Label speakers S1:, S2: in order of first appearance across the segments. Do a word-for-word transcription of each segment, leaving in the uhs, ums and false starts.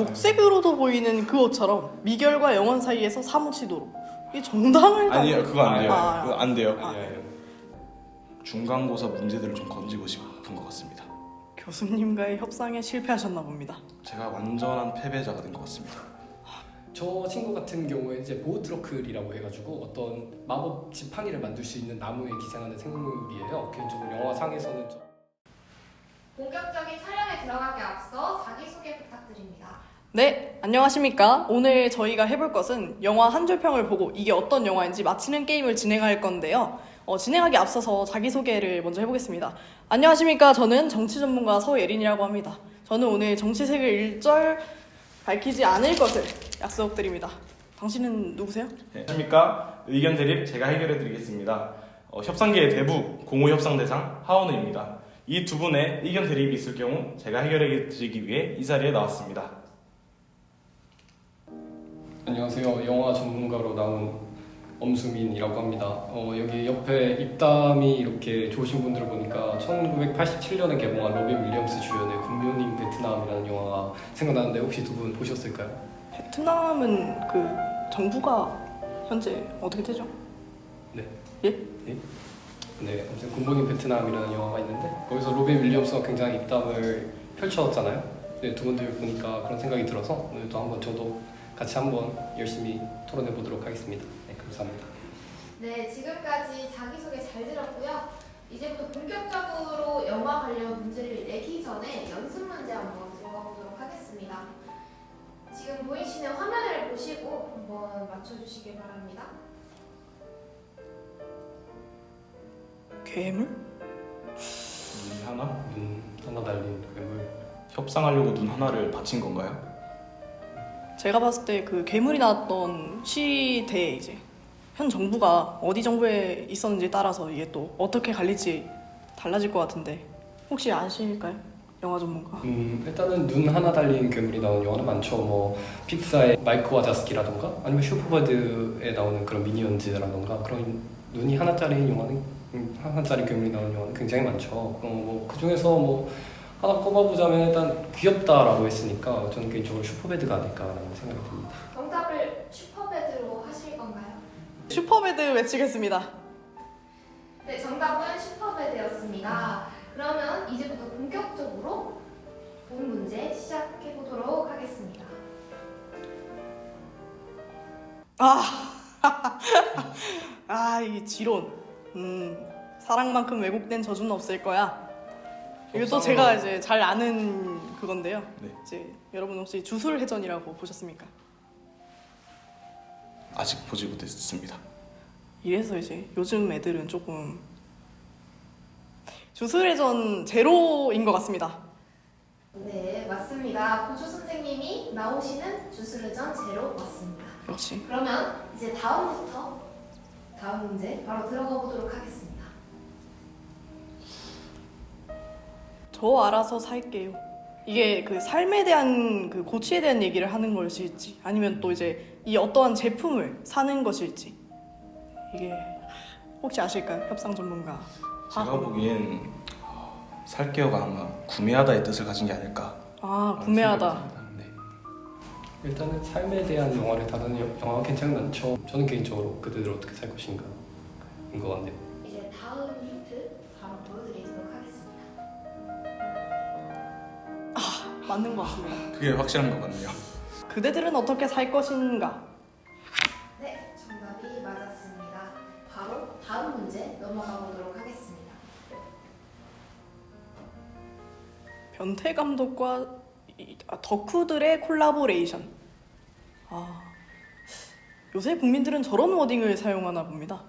S1: 녹색으로도 보이는 그것처럼 미결과 영원 사이에서 사무치도록. 이 정당을
S2: 아니요, 그거 안 돼요.
S1: 아,
S2: 그거 안 돼요.
S1: 아.
S3: 아니에요.
S2: 중간고사 문제들을 좀 건지고 싶은 것 같습니다.
S1: 교수님과의 협상에 실패하셨나 봅니다.
S2: 제가 완전한 패배자가 된 것 같습니다.
S3: 저 친구 같은 경우에 이제 보호트러클이라고 해가지고 어떤 마법 지팡이를 만들 수 있는 나무에 기생하는 생물이에요. 개인적으로 영화상에서는 좀
S4: 본격적인 촬영에 들어가기 앞서 자기소개 부탁드립니다.
S1: 네, 안녕하십니까. 오늘 저희가 해볼 것은 영화 한 줄평을 보고 이게 어떤 영화인지 맞히는 게임을 진행할 건데요. 어, 진행하기 앞서서 자기소개를 먼저 해보겠습니다. 안녕하십니까. 저는 정치 전문가 서예린이라고 합니다. 저는 오늘 정치색을 일절 밝히지 않을 것을 약속드립니다. 당신은 누구세요?
S2: 네, 안녕하십니까. 의견 대립 제가 해결해 드리겠습니다. 어, 협상계의 대부 공호 협상 대상 하원우입니다. 이 두 분의 의견 대립이 있을 경우 제가 해결해 드리기 위해 이 자리에 나왔습니다.
S3: 안녕하세요. 영화 전문가로 나온 엄수민이라고 합니다. 어, 여기 옆에 입담이 이렇게 좋으신 분들을 보니까 천구백팔십칠 년에 개봉한 로빈 윌리엄스 주연의 굿모닝 베트남이라는 영화가 생각나는데 혹시 두 분 보셨을까요?
S1: 베트남은 그 정부가 현재 어떻게 되죠?
S3: 네.
S1: 예?
S3: 네, 아무튼 굿모닝 베트남이라는 영화가 있는데 거기서 로빈 윌리엄스가 굉장히 입담을 펼쳤잖아요. 네, 두 분들 보니까 그런 생각이 들어서 오늘도 한번 저도 같이 한번 열심히 토론해 보도록 하겠습니다. 네, 감사합니다.
S4: 네, 지금까지 자기소개 잘 들었고요. 이제부터 본격적으로 영화 관련 문제를 내기 전에 연습 문제 한번 들어가 보도록 하겠습니다. 지금 보이시는 화면을 보시고 한번 맞춰주시길 바랍니다.
S1: 괴물?
S2: 눈 하나?
S3: 눈 하나 달린 괴물.
S2: 협상하려고 눈 하나를 바친 건가요?
S1: 제가 봤을 때 그 괴물이 나왔던 시대에 이제 현 정부가 어디 정부에 있었는지 따라서 이게 또 어떻게 갈릴지 달라질 것 같은데 혹시 아실까요? 영화 전문가.
S3: 음, 일단은 눈 하나 달린 괴물이 나오는 영화는 많죠. 뭐 픽사의 마이크 와자스키라던가 아니면 슈퍼버드에 나오는 그런 미니언즈라던가 그런 눈이 하나짜리인 영화는 음, 하나짜리 괴물이 나오는 영화는 굉장히 많죠. 어, 뭐 그중에서 뭐 하나 꼽아보자면 일단 귀엽다라고 했으니까 저는 개인적으로 슈퍼배드가 아닐까라는 생각이 듭니다.
S4: 정답을 슈퍼배드로 하실 건가요?
S1: 슈퍼배드 외치겠습니다.
S4: 네, 정답은 슈퍼배드였습니다. 그러면 이제부터 본격적으로 본 문제 시작해 보도록 하겠습니다.
S1: 아, 아, 이 지론. 음, 사랑만큼 왜곡된 저주는 없을 거야. 이것도 제가 이제 잘 아는 그건데요.
S2: 네.
S1: 이제 여러분 혹시 주술회전이라고 보셨습니까?
S2: 아직 보지 못했습니다.
S1: 이래서 이제 요즘 애들은 조금 주술회전 제로인 것 같습니다.
S4: 네, 맞습니다. 고조 선생님이 나오시는 주술회전 제로 맞습니다.
S1: 역시.
S4: 그러면 이제 다음부터 다음 문제 바로 들어가 보도록 하겠습니다.
S1: 저 알아서 살게요. 이게 그 삶에 대한 그 고취에 대한 얘기를 하는 것일지 아니면 또 이제 이 어떠한 제품을 사는 것일지 이게 혹시 아실까요? 협상 전문가.
S2: 제가
S1: 아,
S2: 보기엔 어, 살게요가 아마 구매하다의 뜻을 가진 게 아닐까.
S1: 아 구매하다.
S3: 네. 일단은 삶에 대한 영화를 다루는 여- 영화가 굉장히 많죠. 저는 개인적으로 그들을 어떻게 살 것인가인 것 같네요.
S4: 이제 다음 힌트 바로 보여드리도록 하겠습니다.
S1: 맞는 것 같습니다.
S2: 그게 확실한 것 같네요.
S1: 그대들은 어떻게 살 것인가?
S4: 네, 정답이 맞았습니다. 바로 다음 문제 넘어가 보도록 하겠습니다.
S1: 변태 감독과 이- 아, 덕후들의 콜라보레이션. 아, 요새 국민들은 저런 워딩을 사용하나 봅니다.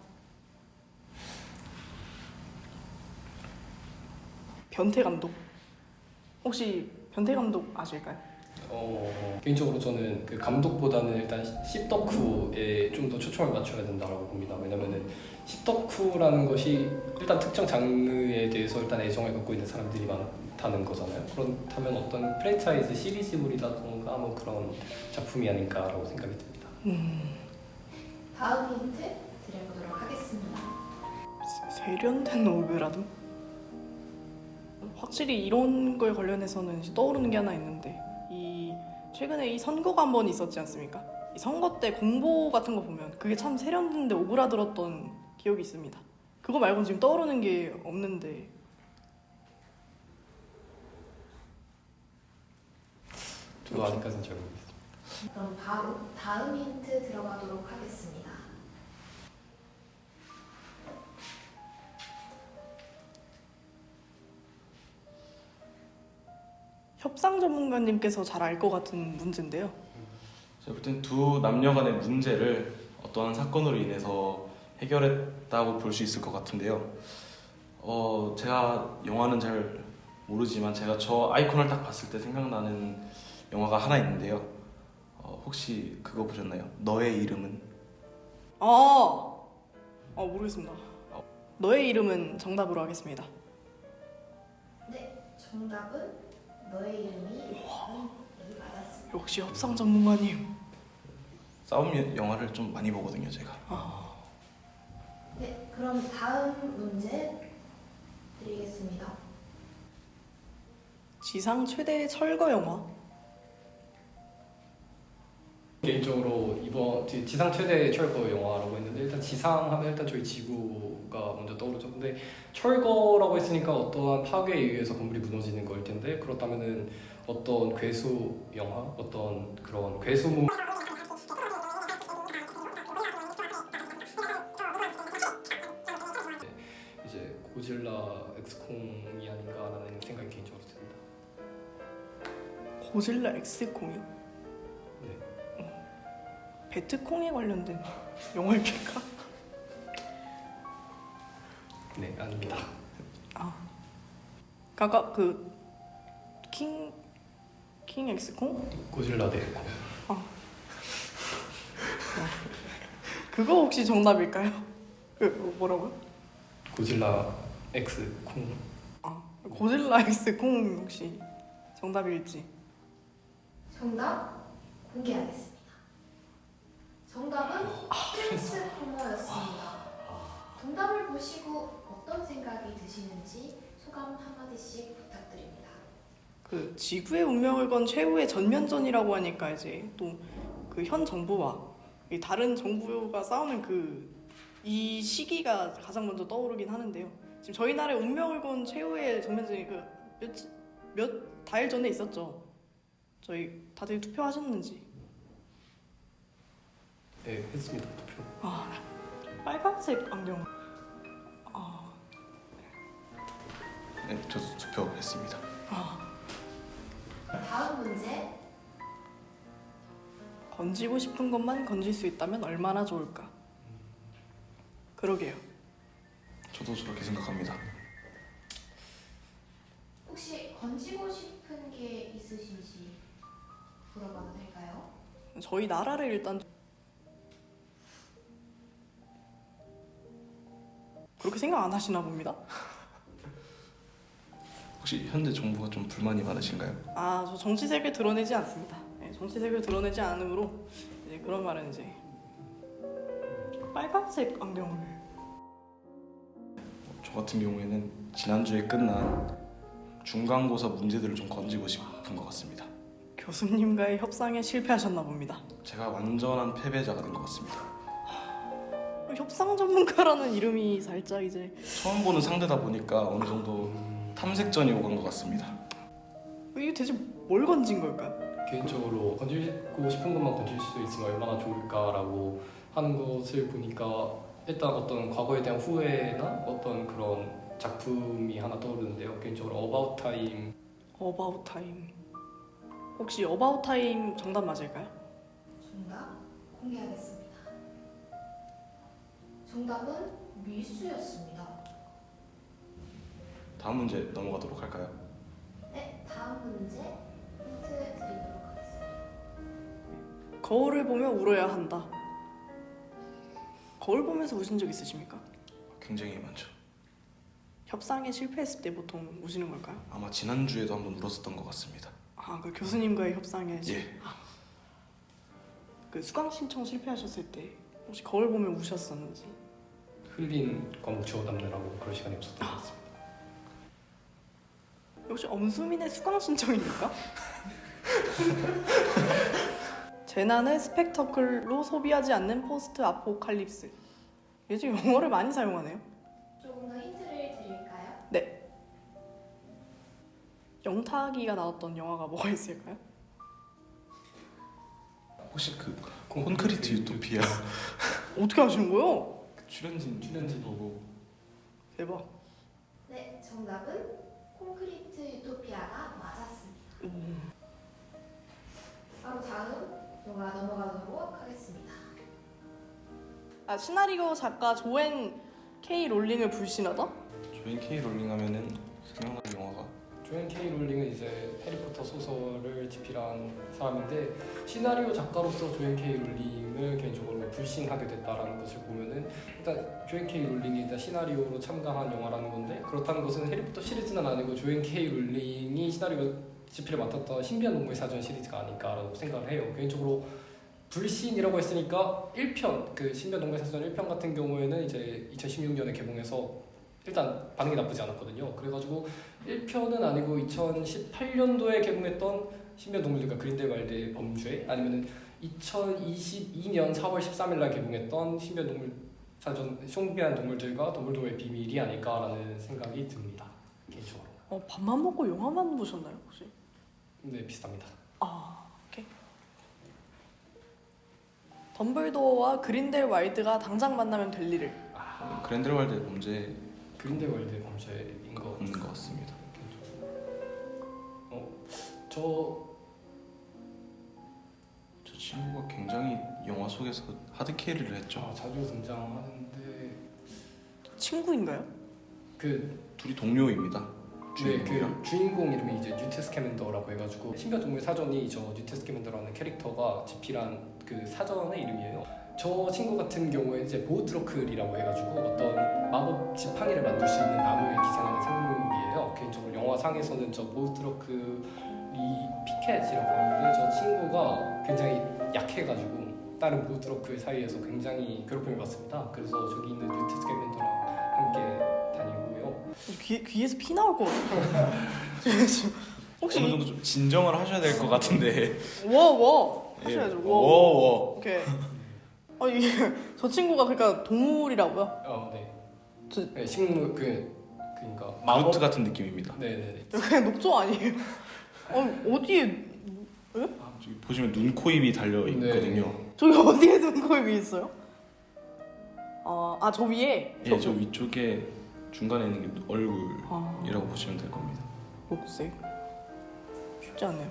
S1: 변태 감독. 혹시 변태 감독 아실까요?
S3: 어, 개인적으로 저는 그 감독보다는 일단 씹덕후에 좀 더 초점을 맞춰야 된다고 봅니다. 왜냐면은 씹덕후라는 것이 일단 특정 장르에 대해서 일단 애정을 갖고 있는 사람들이 많다는 거잖아요. 그렇다면 어떤 프랜차이즈 시리즈물이라던가 뭐 그런 작품이 아닐까라고 생각이 듭니다.
S1: 음,
S4: 다음 힌트 드려보도록 하겠습니다.
S1: 세련된 오그라듦? 확실히 이런 거에 관련해서는 이제 떠오르는 게 하나 있는데 이 최근에 이 선거가 한 번 있었지 않습니까? 이 선거 때 공보 같은 거 보면 그게 참 세련된데 오그라들었던 기억이 있습니다. 그거 말고는 지금 떠오르는 게 없는데.
S3: 저도 아직까지는 잘 모르겠어요.
S4: 그럼 바로 다음 힌트 들어가도록 하겠습니다.
S1: 협상 전문가님께서 잘 알 것 같은 문제인데요.
S2: 제가 볼 땐 두 남녀 간의 문제를 어떠한 사건으로 인해서 해결했다고 볼 수 있을 것 같은데요. 어, 제가 영화는 잘 모르지만 제가 저 아이콘을 딱 봤을 때 생각나는 영화가 하나 있는데요. 어, 혹시 그거 보셨나요? 너의 이름은?
S1: 아, 아 모르겠습니다. 너의 이름은 정답으로 하겠습니다.
S4: 네, 정답은 너의 이름이 여기 맞았습니다.
S1: 역시 협상 전문가님.
S2: 싸움 영화를 좀 많이 보거든요, 제가.
S1: 아,
S4: 네, 그럼 다음 문제 드리겠습니다.
S1: 지상 최대 철거 영화.
S3: 개인적으로 이번 지- 지상 최대 철거 영화라고 했는데 일단 지상 하면 일단 저희 지구가 먼저 떠오르죠. 근데 철거라고 했으니까 어떠한 파괴에 의해서 건물이 무너지는 거일 텐데 그렇다면은 어떤 괴수 영화, 어떤 그런 괴수물 이제 고질라 엑스콩이 아닌가라는 생각이 개인적으로 듭니다.
S1: 고질라 엑스콩이요?
S3: 네.
S1: 배트콩에 관련된 영화입니까?
S3: 네, 아닙니다.
S1: 아, 아까 그킹 킹 엑스콩?
S3: 고질라 대 엑콩.
S1: 그거 혹시 정답일까요? 그 뭐라고요?
S3: 고질라 엑스콩.
S1: 아, 고질라 엑스콩 혹시 정답일지.
S4: 정답 공개하겠습니다. 정답은 트랜스포머였습니다. 정답을 보시고 어떤 생각이 드시는지 소감 한마디씩 부탁드립니다.
S1: 그 지구의 운명을 건 최후의 전면전이라고 하니까 이제 또 그 현 정부와 이 다른 정부가 싸우는 그 이 시기가 가장 먼저 떠오르긴 하는데요. 지금 저희 나라의 운명을 건 최후의 전면전이 그몇몇 달 전에 있었죠. 저희 다들 투표하셨는지.
S3: 네, 했습니다. 투표.
S1: 아, 빨간색 안경. 아,
S2: 네, 저도 투표했습니다.
S1: 아,
S4: 다음 문제
S1: 건지고 싶은 것만 건질 수 있다면 얼마나 좋을까? 그러게요.
S2: 저도 저렇게 생각합니다.
S4: 혹시 건지고 싶은 게 있으신지 물어봐도 될까요?
S1: 저희 나라를 일단 그렇게 생각 안 하시나 봅니다.
S2: 혹시 현재 정부가 좀 불만이 많으신가요?
S1: 아, 저 정치색을 드러내지 않습니다. 네, 정치색을 드러내지 않으므로 이제 그런 말은 이제 빨간색 안경을.
S2: 저 같은 경우에는 지난주에 끝난 중간고사 문제들을 좀 건지고 싶은 것 같습니다.
S1: 교수님과의 협상에 실패하셨나 봅니다.
S2: 제가 완전한 패배자가 된 것 같습니다.
S1: 협상 전문가라는 이름이 살짝 이제
S2: 처음 보는 상대다 보니까 어느 정도 탐색전이 오간 것 같습니다.
S1: 이게 대체 뭘 건진 걸까요?
S3: 개인적으로 건지고 싶은 것만 건질 수 있으면 얼마나 좋을까라고 하는 것을 보니까 일단 어떤 과거에 대한 후회나 어떤 그런 작품이 하나 떠오르는데요. 개인적으로 어바웃 타임.
S1: 어바웃 타임. 혹시 어바웃 타임 정답 맞을까요?
S4: 정답 공개하겠습니다. 정답은 밀수였습니다.
S2: 다음 문제 넘어가도록 할까요?
S4: 네, 다음 문제 힌트 드리도록 하겠습니다.
S1: 거울을 보며 울어야 한다. 거울 보면서 우신 적 있으십니까?
S2: 굉장히 많죠.
S1: 협상에 실패했을 때 보통 우시는 걸까요?
S2: 아마 지난주에도 한번 울었었던 것 같습니다.
S1: 아, 그 교수님과의 협상에 실-
S2: 예.
S1: 그 수강 신청 실패하셨을 때 혹시 거울 보며 우셨었는지.
S3: 흘린 과목 주워 담느라고 그럴 시간이 없었던 것 같습니다.
S1: 혹시 엄수민의 수강 신청입니까? 재난을 스펙터클로 소비하지 않는 포스트 아포칼립스. 요즘 영어를 많이 사용하네요.
S4: 조금 더 힌트를 드릴까요?
S1: 영탁이가 나왔던 영화가 뭐가 있을까요?
S2: 혹시 그 콘크리트 유토피아
S1: 어떻게 아시는 거예요?
S2: 출연진 출연진 보고
S1: 대박.
S4: 네, 정답은 콘크리트 유토피아가 맞았습니다.
S1: 음.
S4: 바로 다음 영화 넘어가도록 하겠습니다.
S1: 아, 시나리오 작가 조앤 K 롤링을 불신하다?
S2: 조인 K 롤링 하면은 생각나는 영화가
S3: 조앤 K 롤링은 이제 해리포터 소설을 집필한 사람인데 시나리오 작가로서 조앤 K 롤링을 개인적으로 불신하게 됐다라는 것을 보면은 일단 조앤 K 롤링이 일단 시나리오로 참가한 영화라는 건데 그렇다는 것은 해리포터 시리즈는 아니고 조앤 K 롤링이 시나리오 집필을 맡았던 신비한 동물 사전 시리즈가 아닐까라고 생각을 해요. 개인적으로 불신이라고 했으니까 일 편 그 신비한 동물 사전 일 편 같은 경우에는 이제 이천십육 년에 개봉해서 일단 반응이 나쁘지 않았거든요. 그래가지고 일 편은 아니고 이천십팔 년도에 개봉했던 신비한 동물들과 그린델 와일드의 범죄 아니면은 이천이십이 년 사월 십삼 일 날 개봉했던 신비한 동물 사전 신비한 동물들과 덤블도어의 비밀이 아닐까라는 생각이 듭니다. 개인적으로.
S1: 어, 밥만 먹고 영화만 보셨나요 혹시?
S3: 네, 비슷합니다.
S1: 아, 오케이. 덤블도어와 그린델 와일드가 당장 만나면 될 일을.
S3: 아,
S2: 그랜델왈드의 범죄
S3: 그린델 와일드의 범죄인 거
S2: 없는 것 같습니다.
S3: 어, 저
S2: 저 친구가 굉장히 영화 속에서 하드 캐리를 했죠.
S3: 아, 자주 등장하는데
S1: 친구인가요?
S3: 그
S2: 둘이 동료입니다.
S3: 네,
S2: 주인공이랑.
S3: 그 주인공 이름이 이제 뉴트 스캐맨더라고 해가지고 신비한 동물 사전이 저 뉴트 스캐맨더라는 캐릭터가 집필한 그 사전의 이름이에요. 저 친구 같은 경우에 이제 보우트러클이라고 해가지고 어떤 마법 지팡이를 만들 수 있는 나무에 기생하는 생물이에요. 개인적으로 영화상에서는 저 보우트러클이 피켓이라고 하는데 저 친구가 굉장히 약해가지고 다른 보우트러클 사이에서 굉장히 괴롭힘을 받습니다. 그래서 저기 있는 뉴트 스캐맨더랑 함께 다니고요.
S1: 귀, 귀에서 피 나올 것 같아요. 혹시
S2: 어느 정도 좀 진정을 하셔야 될 것 같은데.
S1: 워워 하셔야죠.
S2: 예.
S1: 워.
S2: 워워.
S1: 오케이. 아 이게 저 친구가 그러니까 동물이라고요?
S3: 어, 네.
S1: 저-
S3: 네, 식물 그 그러니까
S2: 마우트 같은 느낌입니다.
S3: 네네네.
S1: 그냥 녹조 아니에요? 어 어디에
S2: 아, 저기 보시면 눈, 코, 입이 달려 있거든요.
S1: 저기 어디에 눈코입이 있어요? 아, 아 저 위에
S2: 예, 저 위쪽에 중간에 있는 게
S1: 아,
S2: 얼굴이라고 보시면 될 겁니다.
S1: 녹색 쉽지 않네요.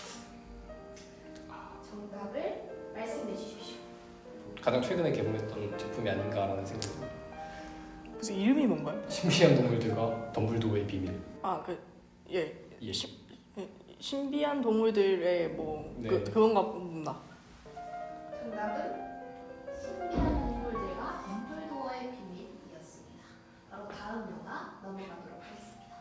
S4: 정답을 말씀해 주십시오.
S3: 가장 최근에 개봉했던 제품이 아닌가라는 생각이 듭니다.
S1: 그래서 이름이 뭔가요?
S3: 신비한 동물들과 덤블도어의 비밀.
S1: 아 그 예
S3: 예.
S1: 신비한 동물들의 뭐
S3: 네.
S1: 그, 그건가 보다.
S4: 정답은 신비한 동물들과 덤블도어의 비밀이었습니다. 바로 다음 영화 넘어가도록 하겠습니다.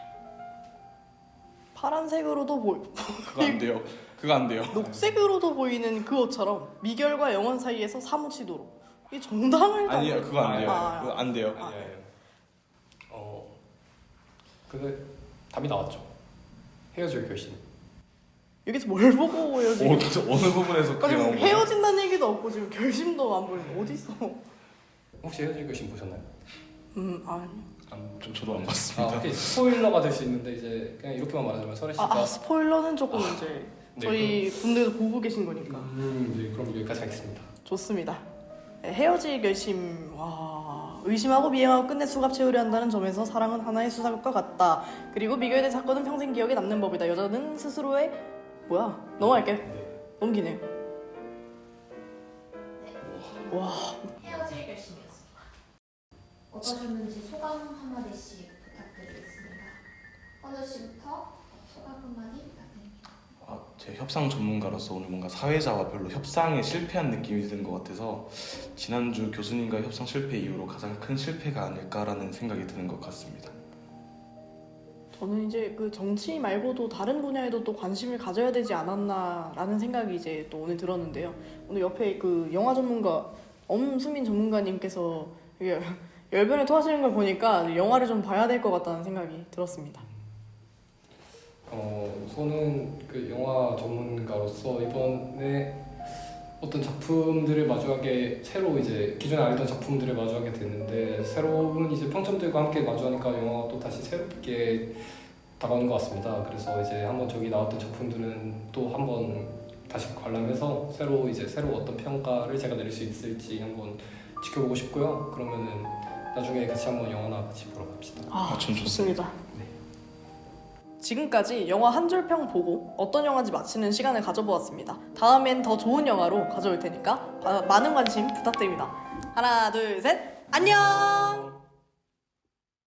S1: 파란색으로도 보이
S2: 그거 안 돼요. 그거 안 돼요.
S1: 녹색으로도 보이는 그것처럼 미결과 영원 사이에서 사무치도록 이 정당을
S2: 아니요, 그거 안 돼요.
S1: 아,
S2: 그거 안 돼요.
S1: 아.
S3: 아니에요. 어, 그 답이 나왔죠. 헤어질 결심.
S1: 여기서 뭘 보고 헤어지?
S2: 어, 어느 부분에서
S1: 아,
S2: 그게
S1: 지금
S2: 나온 거예요?
S1: 헤어진다는 얘기도 없고 지금 결심도 안 보이는 어디서?
S3: 혹시 헤어질 결심 보셨나요?
S1: 음 아니.
S3: 안
S2: 저, 저도 안
S3: 아,
S2: 봤습니다.
S3: 오케이. 스포일러가 될 수 있는데 이제 그냥 이렇게만 말하자면 설혜 씨가
S1: 아, 아 스포일러는 조금 이제
S3: 네,
S1: 저희 분들도 보고 계신 거니까
S3: 음, 네, 그럼 여기까지 하겠습니다.
S1: 좋습니다. 네, 헤어질 결심 와 의심하고 미행하고 끝내 수갑 채우려 한다는 점에서 사랑은 하나의 수사과 같다. 그리고 미결된 사건은 평생 기억에 남는 법이다. 여자는 스스로의 뭐야 넘어갈게요.
S3: 네.
S1: 넘기네요.
S4: 네,
S1: 와
S4: 헤어질 결심이었습니다. 어떠셨는지 소감 한마디씩 부탁드리겠습니다. 헌우 씨부터 소감 한마디 부탁드립니다.
S2: 아, 제 협상 전문가로서 오늘 뭔가 사회자와 별로 협상에 실패한 느낌이 드는 것 같아서 지난주 교수님과의 협상 실패 이후로 가장 큰 실패가 아닐까라는 생각이 드는 것 같습니다.
S1: 저는 이제 그 정치 말고도 다른 분야에도 또 관심을 가져야 되지 않았나라는 생각이 이제 또 오늘 들었는데요. 오늘 옆에 그 영화 전문가 엄수민 전문가님께서 이게 열변을 토하시는 걸 보니까 영화를 좀 봐야 될 것 같다는 생각이 들었습니다.
S3: 어, 저는 그 영화 전문가로서 이번에 어떤 작품들을 마주하게 새로 이제 기존에 알던 작품들을 마주하게 됐는데 새로운 이제 평점들과 함께 마주하니까 영화가 또 다시 새롭게 다가오는 것 같습니다. 그래서 이제 한번 저기 나왔던 작품들은 또 한번 다시 관람해서 새로 이제 새로 어떤 평가를 제가 내릴 수 있을지 한번 지켜보고 싶고요. 그러면은 나중에 같이 한번 영화나 같이 보러 갑시다.
S1: 아,
S2: 아, 전
S1: 좋습니다.
S3: 네.
S1: 지금까지 영화 한 줄 평 보고 어떤 영화인지 맞히는 시간을 가져보았습니다. 다음엔 더 좋은 영화로 가져올 테니까 많은 관심 부탁드립니다. 하나, 둘, 셋, 안녕!